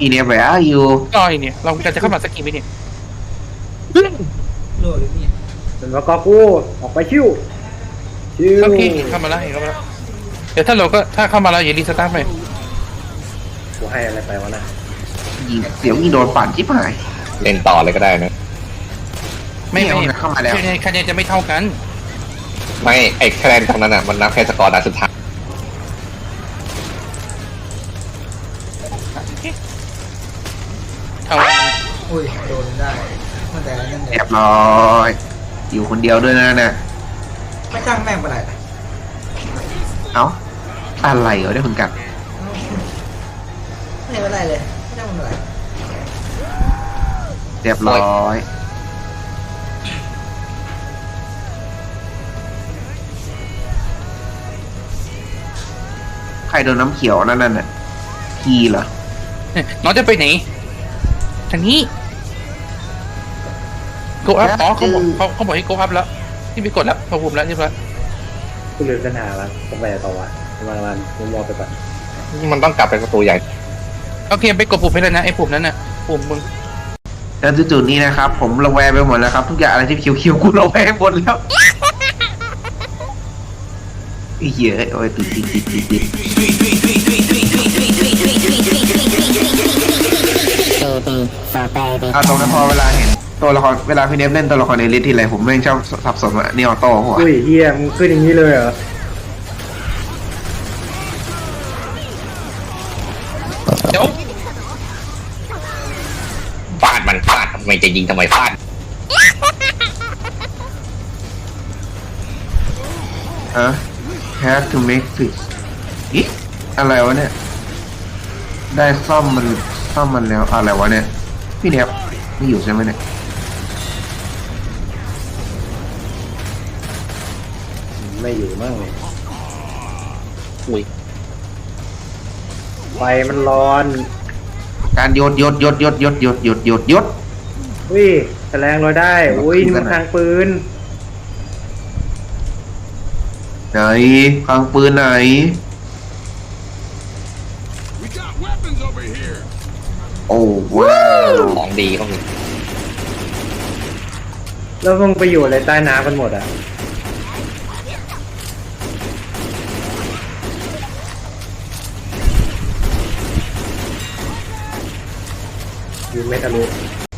อีเนี่ยไปอ่ะอยู่ก็ไอเนี่ยเราจะเข้ามาสักกี่วิเนี่ยโลหรือเนี่ยเป็นว่ากอกูออกไปชิวชิวโอเคเข้ามาแล้วเข้ามาแล้วเดี๋ยวถ้าเราก็ถ้าเข้ามาแล้วอย่ารีสตาร์ทไปกูให้อะไรไปวะนะยิงเสียวยิงโดนปั่นชิบหายเล่นต่อเลยก็ได้นะไม่เนี่ยเข้ามาแล้วคะแนนจะไม่เท่ากันไม่ไอ้คะแนนตรงนั้นอ่ะมันนับแค่สกอร์นัดสุดท้ายเท่าอุ้ยโดนได้มันแต่นั่นเรีเนี่ยยบร้อย อยู่คนเดียวด้วยนะเนี่ยไม่จ้างแม่งไปไหนเอ้าอะไรเหรอได้คนกันไม่เป็นไรเลยไม่จ้างมันอะไรเรียบร้อยใครโดนน้ำเขียวนั่นน่ะพีเหรอน้องจะไปไหนทางนี้โกอัพอ๋อเขาบอกให้โกอัพแล้วที่ไปกดแล้วพอภูมิแล้วเรียบร้อยกูลืมเส้นทางแล้วต้องไปต่อวะมันมุมมองไปก่อนมันต้องกลับไปประตูใหญ่โอเคไปกดปุ่มให้แล้วนะไอ้ปุ่มนั้นน่ะปุ่มมึงแล้วจุดๆนี้นะครับ ผมระแวงไปหมดแล้วครับทุกอย่างอะไรที่เขียวๆกูระแวงหมดแล้วไอ้เหี้ยโอ้ยติดตรงนั้นพอเวลาเห็นตัวละครเวลาพี่เนฟเล่นตัวละครในลิสทีไรผมแม่งชอบสับสนว่านี่ออโต้หัวอุ้ยเฮียมึงขึ้นอย่างนี้เลยเหรอเดี๋ยวฟาดมันฟาดไม่จะยิงทำไมฟาด have to make fix อีอะไรวะเนี่ยได้ซ่อมมันแล้วอะไรวะเนี่ยพี่เนฟไม่อยู่ใช่ไหมเนี่ยไม่อยู่มั่งอุ้ยไฟมันร้อนการโยดอุ้ยแฉลงลอยได้อุ้ยนี่มันทางปืนไหนฟังปืนไหน โอ้ว้าวของดีก็มีแล้วมึงไปอยู่อะไรใต้น้ำกันหมดอ่ะยืนไม่ทะลุ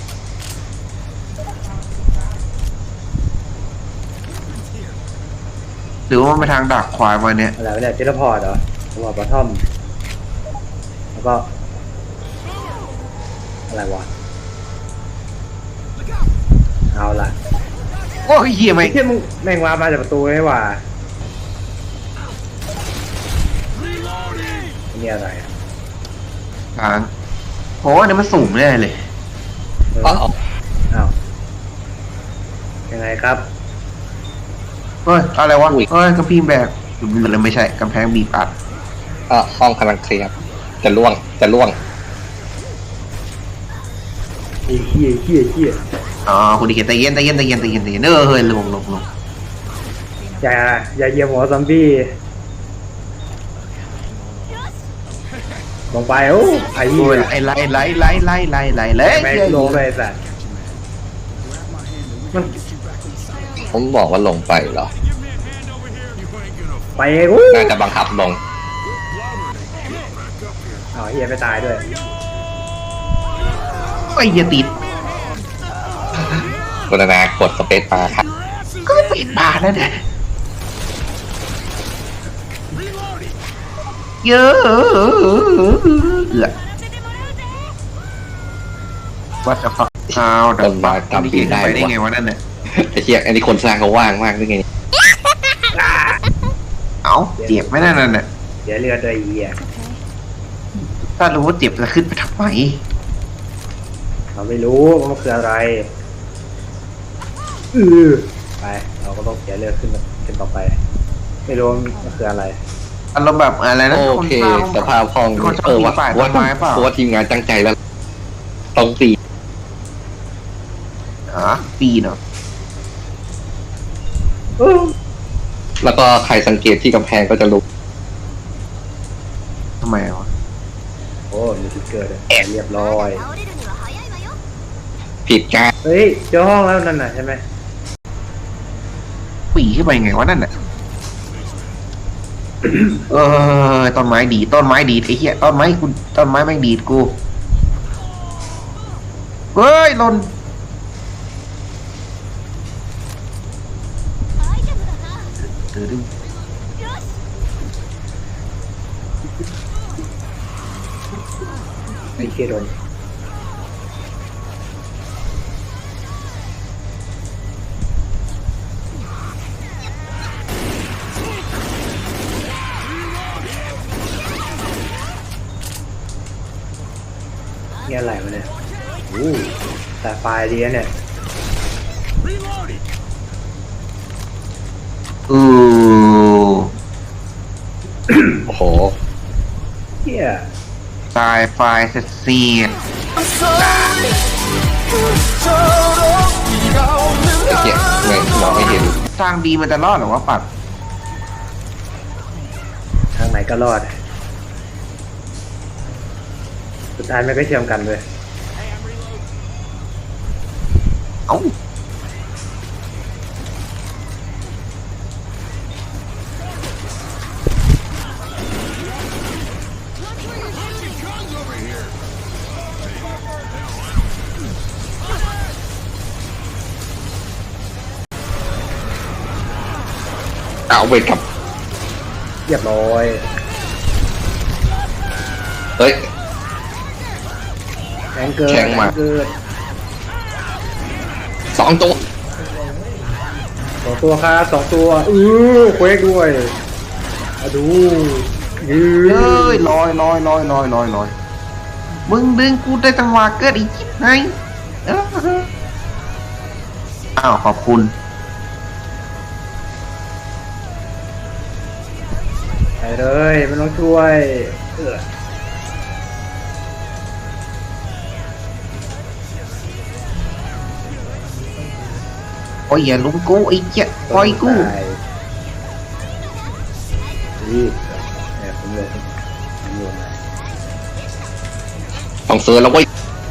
หรือว่ามันไปทางดักควายมาเนี่ยอะไรวะเนี่ยเทเลพอร์ตเหรอเทเลพอร์ตบอททอมแล้วก็อะไรวะเอาล่ะโอ้ยเหี้ยไหมไอ้เที่ยมึงแม่งวามาจากประตูไม่ว่านี่อะไรอ่ะทางโอ้อันนี้มันสูงแน่เลยอ๋ออ้าวยังไงครับเฮ้ยอะไรวะเฮ้ยกระพิงแบกมันไม่ใช่กำแพงบีบอัดห้องกำลังเคลียร์จะล่วงไอ้เหี้ยอ๋อคุณดิเกตใจเย็นเฮ้ยลงอย่าเหยียบหัวซอมบี้ลงไปโอ้ไอ้เหี้โอ้ยยไอ้ไล่เลยแม่งลงเลยสัตว์มันผมบอกว่าลงไปเหรอไปโอ้น่าจะบังคับลงอ้าวเหี้ยไม่ตายด้วยไอ้เหี้ยติดกรุณากดสเปซบาร์ครับก็ปิดบาร์แล้วเนี่ยเยอะว่าจะฟังข้าวแต่ต้นไม้ทำปีได้ไปได้ไงวะนั่นเนี่ยไอ้เหี้ยอันนี้คนสร้างเขาว่างมากด้วยไงเอ้าเจ็บไหมนั่นน่ะเดี๋ยวเรือตัวไอ้เหี้ยถ้ารู้ว่าเจ็บจะขึ้นไปทำไมเราไม่รู้ว่ามันคืออะไรไปเราก็ต้องเสียเรือขึ้นต่อไป ไม่รู้ว่ามันคืออะไรอารมณ์แบบอะไรนะโอเคสภาพห้องคนชอบฝ่ายต้นไม้เปล่าเพราะว่าทีมงานตั้งใจแล้วตรงตีปีเนาะแล้วก็ใครสังเกตที่กำแพงก็จะรู้ทำไมวะโอ้มีเกิดอะเรียบร้อยผิดการเฮ้ยเจอห้องแล้วนั่นน่ะใช่ไหมปีขึ้นไปไงวะนั่นน่ะ ต้นไม้ดีดต้นไม้ดีดไอ้เหี้ยต้นไม้แม่งดีดกูเฮ้ยหล่นตื่นไอ้เคโดนนี่อะไรวะเนี่ยแต่ไฟล์ดีนะเนี่ยอือโอ้โหเฮียตายไฟเสียดไอ้เหี้ยไม่มองไม่เห็นทางดีมันจะรอดหรอวะปัดทางไหนก็รอด สุดท้ายมันก็เชื่อมกันเลยเอ้าเอาเวทกับเรียบร้อยเฮ้ยแรงเกินแข็งมากเกิน 2 ตัว 2 ตัวครับ2 ตัวเควกด้วยมาดูยืนเอ้ยลอยมึงดึงกูได้จังหวะเกิดอีกไงอ้าวขอบคุณไปเลยไม่ต้องช่วยโอ้ยอย่าลุมกูไอ้เจ๊ะปล่อยกูตายรีบเนี่ยผมเลยผมโยนมาต้องซื้อแล้วเว้ย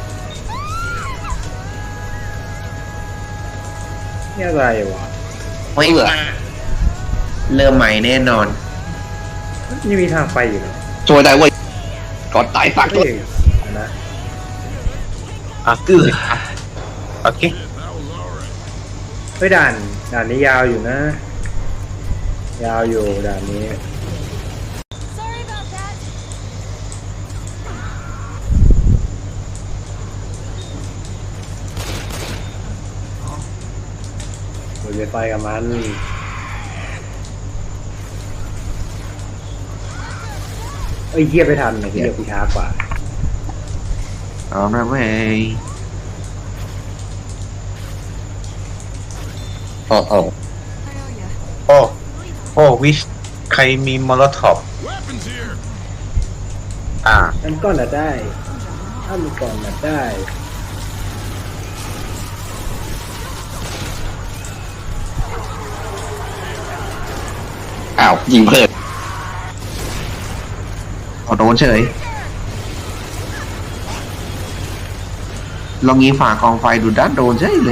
นี่อะไรวะไม่เหลือเริ่มใหม่แน่นอนนี่มีทางไปอยู่นะช่วยได้เว้ยก่อนตายฝากด้เฮ้วยยนะโอเคเฮ้ยด่านนี้ยาวอยู่นะ ยาวอยู่ด่านนี้ เราจะไปกับมันเอ้ยเยียไปทันไอ้เยียกูช้ากว่าเอาละเว้ยวิชใครมีมอลท็อปอันก่อนน่ะได้อันก่อนน่ะได้อ้าวยิงเพิ่มขอโดนเฉยลองยิงฝากองไฟดูด้านโดนเฉยเลย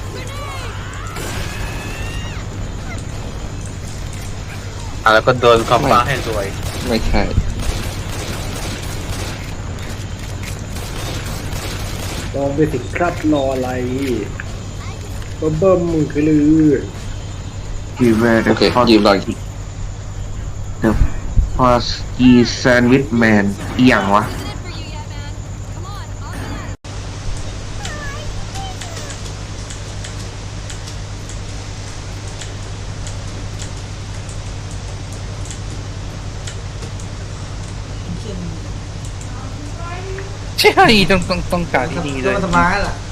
แล้วก็โดนคอมฟ้าให้รวยไม่ใช่ลองไปสิครับรออะไรเบิ่มมือคือลือที่เวโอเคยืมหน่อยเดอะพอสกีแซนด์วิชแมนอีหยังวะใช่ต้องการที่ดีเลยโดนทำร้ายล่ะ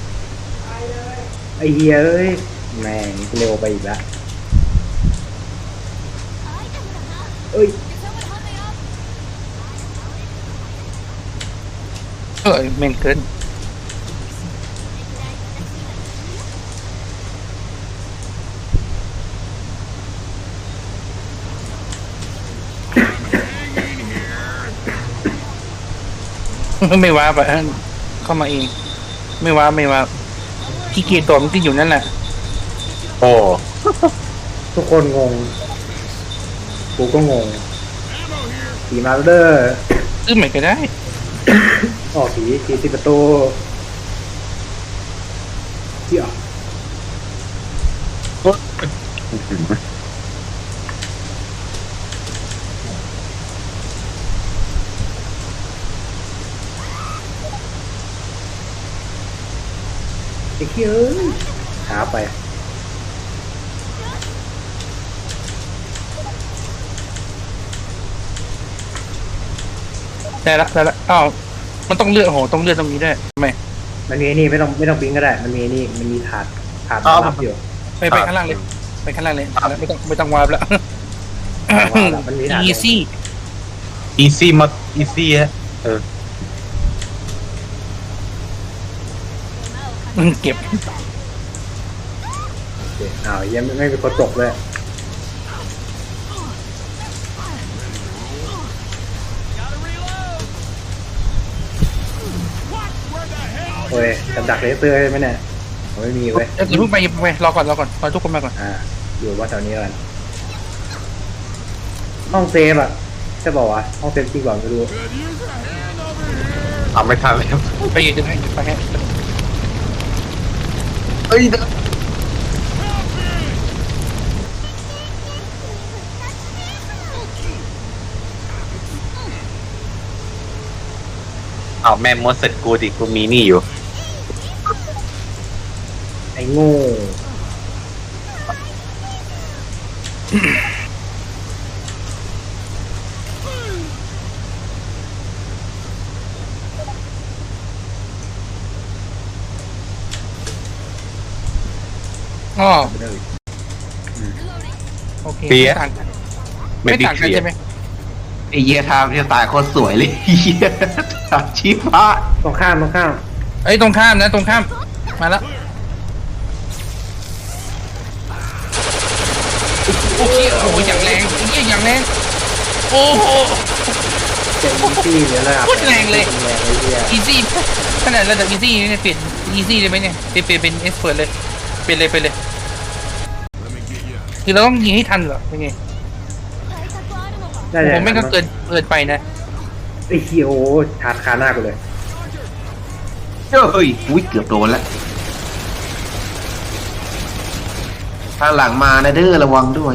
ไอเฮียเอ้ยแม่งเร็วไปอีกแล้วเอ้ยแม่งเกินไม่ว้าไปเข้ามาเองไม่ว้าขี้เกียจตัวมันก็อยู่นั่นแหละโอ้ทุกคนงงกูก็งงผีมาเดอร์ซื้อใหม่ก็ได้ออกผีติดประตูเหี้ยไอ้เหี้ยเอ้ยหาไปได้ละอ้าวมันต้องเลือกโหต้องเลือกตรงนี้ได้ไม่มันมีไอ้นี่ไม่ต้องบิงก็ได้ มันมีไอ้นี่มันมีถาดรับอยู่ไปข้างล่างเลยไปข้างล่างเลยไม่ต้องวาร์ปแล้วมันมีถาด easy อีซี่มาอีซี่ฮะเก็บอ้าวยังไม่มีคนตกเลยโอ้ยกับดักเลเซอร์ไหมเนี่ยผมไม่มีเว้ยอย่าเพิ่งไปรอก่อนรอทุกคนมาก่อนอยู่ว่าแถวนี้กันห้องเซฟอ่ะใช่บอกว่าห้องเซฟจริงก่อนไม่รู้ทำไม่ทันเลยครับไปยืนให้ไปให้เอ้ยเอาแม่มดเสร็จกูดิกูมีนี่อยู่ไอ้โง่อ๋อไม่ได้โอเคเปี๊ยะต่างกันไม่ไม่บิ๊กต่างกันเสียใช่ไหมไอ้เหี้ยทางที่ตายโคตรสวยเลยเหี้ยทางชีพะตรงข้ามเอ้ยตรงข้ามนะตรงข้ามมาแล้วโอเคโอ้โหอย่างแรงอย่างแรงโอ้โหเจ็บอีซี่หรืออะไรโคตรแรงเลยแรงเลยเหี้ย easy ขนาดระดับ easy เนี่ยเปลี่ยน easy เลยไหมเนี่ยเปลี่ยนเป็น expert เลยเปลี่ยนเลยคือเราต้องยิงให้ทันเหรอยังไงได้ผมไม่ก็เกินไปนะไอ้เหี้ยโอ้ถาดคาหน้ากูเลยเฮ้ยอุ้ยเกือบโดนแล้วทางหลังมานะเด้อระวังด้วย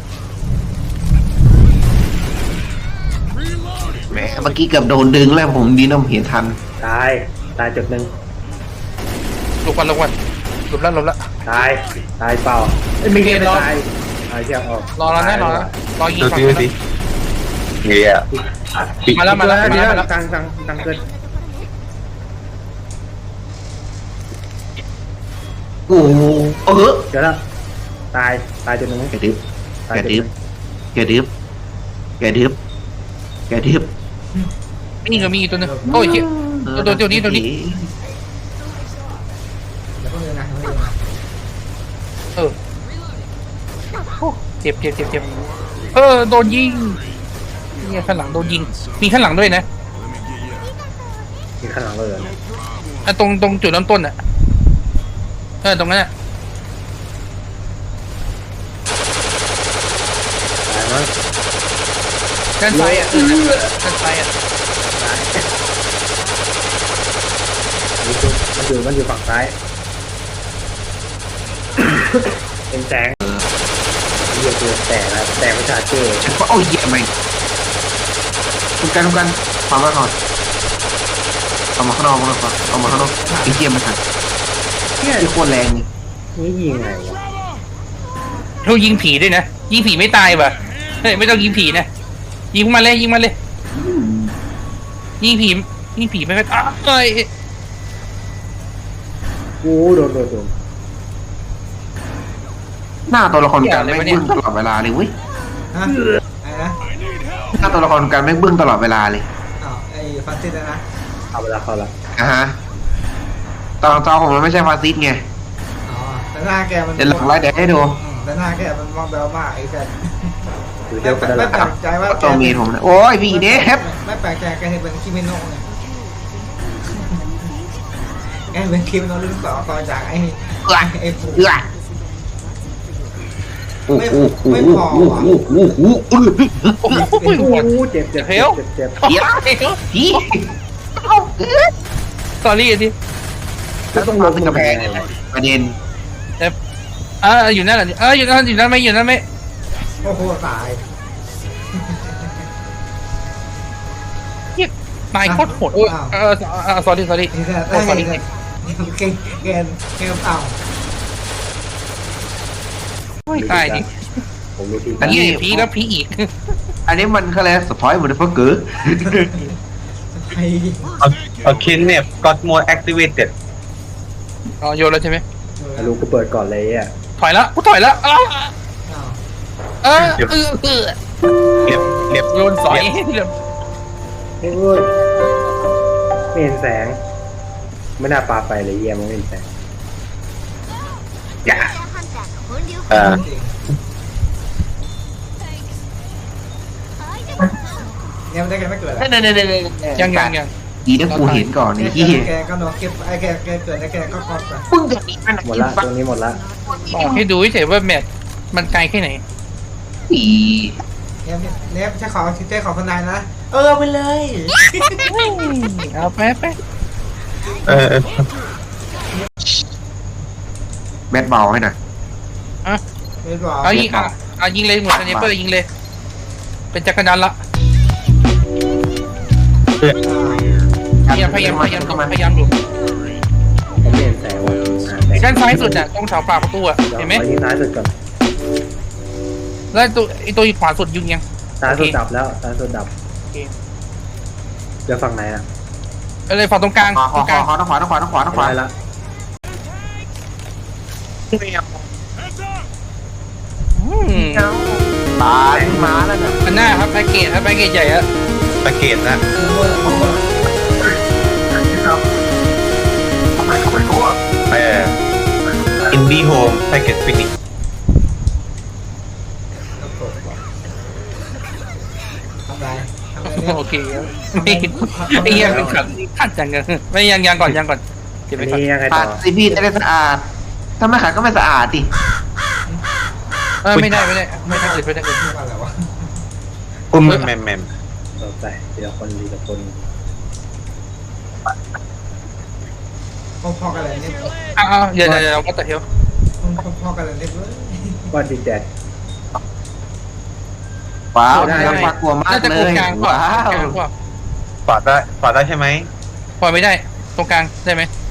แหมเมื่อกี้เกือบโดนดึงแล้วผมดีนะผมเห็นทันตายจุดหนึ่งหลบวันหลบแล้วตายเปล่าไม่เกมตายเชี่ยออกรอแล้วนะรอยิงดูฝั่งสิดูสิเงี้ยมาแล้วเดี๋ยวตังเกินโอ้โหเดี๋ยวแล้วตายจุดหนึ่งแกดึบตายแกจุดหดึนึ่บงแกดึบนี่ก็มีอีกตัวนึงโอ้ยเหี้ยตัวนี้แล้วก็เลยนะเออเจ็บโดนยิงเนี่ยข้างหลังโดนยิงมีข้างหลังด้วยนะมีข้างหลังเลยอ่ะตรงจุดเริ่มต้นอ่ะตรงนั้นอ่ะตายมั้งด้านซ้ายอ่ะด้านซ้ายอ่ะมันอยู่ฝั่งซ้ายเป็นแสงเหี้ยตัวแต่ประชาเจ้ฉันก็เอาเหี้ยไปทุกกันฟังมาก่อนเอามาข้างนอกไอ้เหี้ยมันทันเนี่ยที่โคตรแรงนี่นี่ยิงไงวะเรายิงผีด้วยนะยิงผีไม่ตายว่ะเฮ้ยไม่ต้องยิงผีนะยิงมาเลยยิงผีไม่ตายเอ้ยกูโดนหน้าตัวละครการแม่งบึ้งตลอดเวลาเลยเว้ยฮะอะไรนะหน้าตัวละครการแม่งบึ้งตลอดเวลาเลยอ้าวไอ้ฟันติดนะเอาเวลาเข้าละฮะตอนจอผมมันไม่ใช่ฟาซิสไงอ๋อแต่หน้าแกมันเดี๋ยวหลังไลฟ์เดี๋ยวให้ดูแต่หน้าแกมันมองแบวมากไอ้แฟนอยู่เดียวกันแล้วไม่แปลกใจว่าตัวเมียผมนะโอ้ยพี่เดฟไม่แปลกใจแกเห็นเป็นคิมิโนะไงเป็นคลิปเราเรื่องต่อจากไอ้ปูเอื้อโอ้โหโอ้โหโอ้โหโอ้โหโอ้โหโอ้โหโอ้โหเจ็บเจ็บเจ็บเจ็บเดี๋ยวพี่สอรี่ดิแล้วต้องลงกระแพงเลยประเด็นอยู่นั่นแหละอยู่นั่นไม่โอ้โหตายตายโคตรโหดสอรี่ไอ้แซ่ไอ้แซ่แกเต่าตายดิผมรู้ที่อันนี้ผีแล้วผีอีกอันนี้มันเขาเรียกสปอยล์เหมือนเฟิร์กเกอร์ไอ้ a kidnap got more activated โยนแล้วใช่ไหมรู้กูเปิดก่อนเลยอ่ะถอยแล้วกูถอยแล้วเรียบโยนสอยโอ้ยไม่เห็นแสงไม่น่าปาไปเลยเยี่ยมไม่เห็นแสงอย่าเนี่ยมันได้แกไม่เกิดยังดีนะกูเห็นก่อนไอ้ที่แกก็นอนเก็บไอ้แกเกิดไอ้แกก็ครอบไปมึงจะมีมันหมดละตรงนี้หมดละบอกให้ดูเฉยว่าแมทมันไกลแค่ไหนปีเนี่ยใช้ของคนนายนะไปเลยเอาแป๊บแบทเบาให้หน่อยไม่บอกเอายิงเลยหมดอันนี้เปิดยิงเลยเป็นจักรยานละพยายามดูผมไม่เห็นแสงว่ะด้านซ้ายสุดน่ะตรงแถวปากประตูอ่ะเห็นไหมขอยิงซ้ายสุดก่อนแล้วตัวขวาสุดยิงยังซ้ายสุดดับแล้วซ้ายสุดดับเดี๋ยวฝั่งไหนอ่ะอะไรฝั่งตรงกลางขวาต้องขวาต้องขวาได้ละตายมาแล้วเนี่ยอันหน้าครับแพ็กเกจใหญ่อะตะเกียบนะทำไมเขาไม่รู้อ่ะอินดี้โฮมแพ็กเกจฟินิชทำไรโอเคไม่ยังเป็นขัดจังกันไม่ยังก่อนเก็บอัไว้นก่อนนี้ยังไงขาต่ดอซีพีจะได้สะอาดถ้าไม่ขาดก็ไม่สะอาดดิไม่ได้อื่นอะไรวะอุ้มแมมต่อไปทีละคนพ่อกันเลยเนี่ยเดี๋ยวก็ตัดเที่ยวพ่อกันเลยเนี่ยเลยว่าดิแดดว้าวน่ากลัวมากน่าจะเลตรงยกลางกว่าว้าวฝาดได้ใช่ไหมปล่อยไม่ได้ตรงกลางได้ไหม